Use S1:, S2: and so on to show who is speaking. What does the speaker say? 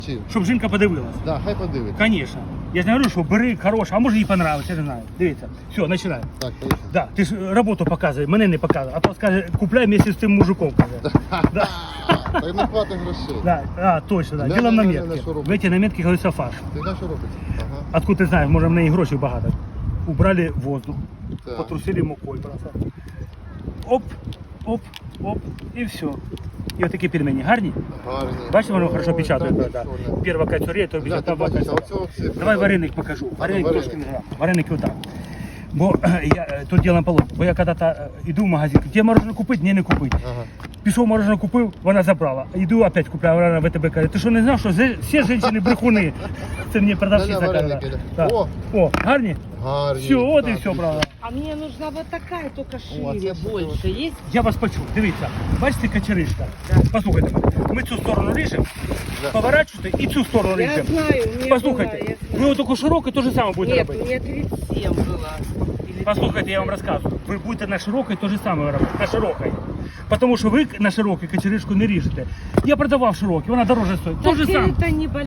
S1: Чим?
S2: Щоб жінка подивилась.
S1: Да, хай подивиться.
S2: Конечно. Я ж не говорю, що бери хороше, а може їй понравиться, я не знаю. Дивіться. Все, починаємо.
S1: Так, поїхали.
S2: Да, ти ж роботу показує, мене не показує. А то скаже, купляй вместе з тим мужиком. Каже. Да.
S1: Так не хватить грошей.
S2: Да, точно, да.
S1: Да,
S2: Ділом
S1: да, да,
S2: наметки.
S1: да, що робить?
S2: В эти наметки говориться фарш.
S1: Ти знаєш, що робиться? Ага.
S2: Откуда ти знаєш, може в неї грошей багато. Убрали воздух,
S1: Так.
S2: потрусили мукою просто. Оп, оп, оп, і все. І отакі пельмені гарні.
S1: Гарні.
S2: Бачите, воно
S1: Ой,
S2: хорошо печатає.
S1: так,
S2: Да.
S1: що не.
S2: Перша кацюрія, то
S1: Бля, ти
S2: вторая
S1: бачиш, а
S2: кацюрія.
S1: оце оце.
S2: Давай вареник покажу. Вареник
S1: вареник.
S2: трошки не грам. Вареники отак. Бо я тут ділом полог. Бо я коли-то йду в магазин, тебе мороженое купити, ні, не купити.
S1: Ага.
S2: Пішов мороженое купив, вона забрала. Йду опять купляю, вона в ВТБ каже, ти що не знав, що всі жінки брехуни? Це мені продавщиця
S1: Да-да,
S2: каже.
S1: вареники,
S2: Да.
S1: да.
S2: О, гарні?
S1: Гарні.
S2: Все, от і
S1: Так,
S2: все,
S1: і
S2: брала.
S3: А мне нужна вот такая, только
S1: О,
S3: шире,
S1: это что
S3: больше. Есть?
S2: Я вас почув, дивіться, бачите качеришка? Послухайте мене, ми цю сторону ріжемо,
S1: Да.
S2: поворачуєте і цю сторону
S3: Я
S2: ріжемо.
S3: знаю, у меня
S2: Послухайте,
S3: была, я знаю.
S2: ви отаку широку те ж саме будете
S3: Нет, у
S2: робити.
S3: меня 37 была. Или
S2: Послухайте, я вам розказую. Ви будете на широкій те ж саме робити, на широкій. Тому що ви на широкій качеришку не ріжете. Я продавав широкий, вона дороже стоїть. Те ж
S3: Так
S2: саме.
S3: это не